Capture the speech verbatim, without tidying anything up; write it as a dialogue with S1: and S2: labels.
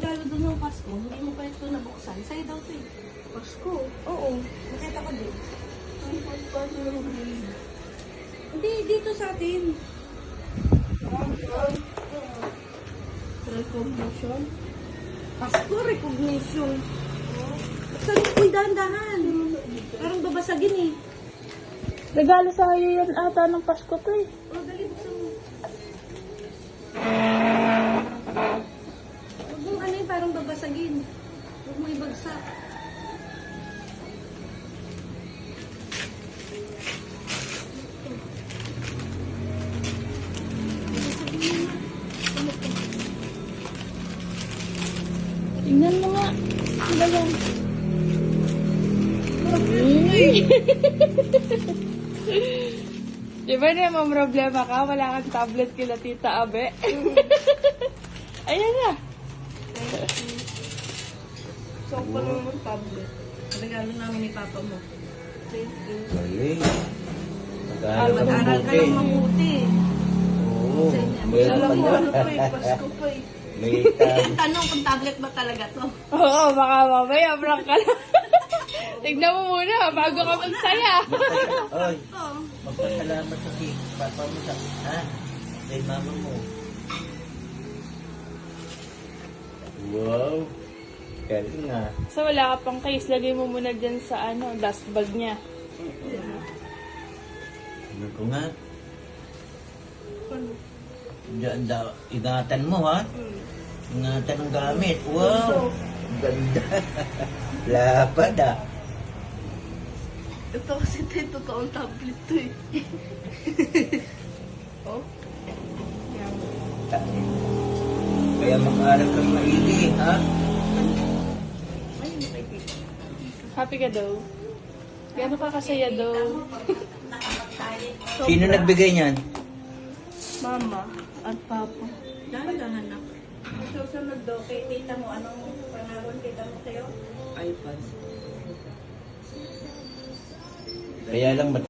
S1: regalo doon ng Pasko, hindi mo pa ito nabuksan. Sa'yo daw ito eh.
S2: Pasko.
S1: Oo, nakita ko din.
S2: Ang pagpano ng green.
S1: Hindi, dito sa atin.
S2: Recognition.
S1: Pasko recognition. Saan ko dahan-dahan? Parang babasagin eh.
S2: Regalo sa iyo yan ata ng Pasko to eh.
S1: Oh, dali buksan mo. Huwag mong ano yung parang babasagin. Huwag mo ibagsak.
S2: Tingnan mo nga. Ano ba yan? Di ba na may problema ka? Wala kang tablet kila Tita Abe. Ayan na.
S1: So, pala mo tablet. Regalo namin ni Papa mo. Thank you.
S3: Galing.
S1: Aral
S3: Mag-aaral
S1: ka lang mabuti.
S3: Oo.
S1: Meron
S3: Meron
S1: Alam mo,
S3: pa
S1: ano pa eh,
S3: yan.
S1: Pasko pa eh.
S3: May tab.
S1: Tanong kung tablet ba talaga to.
S2: Oo, baka mamaya prank ka lang. Tignan mo muna bago ka magsaya.
S3: Oy,
S1: Oo.
S3: magpasalamat sa kay papa mo sa, ha? Kay mama mo. Wow. Galing nga.
S2: So wala ka pang case, lagay mo muna dyan sa ano, dust bag niya.
S3: Ano ko nga? Diyan daw, ingatan mo ha? Ingatan ng gamit. Wow. Ganda. Lapad ah.
S1: Ito kasi ito yung totoong tablet to eh. Oh. Yan.
S3: Kaya mag-aaral kang maigi, ha?
S1: Ay, nakikita.
S2: Happy ka daw? Gano'n ka kasaya daw?
S3: Sino nagbigay niyan?
S2: Mama at Papa.
S1: Dahan-dahan na. Susunod do, kay tita mo, anong pangaron tita mo sa'yo?
S3: iPad. Kaya lang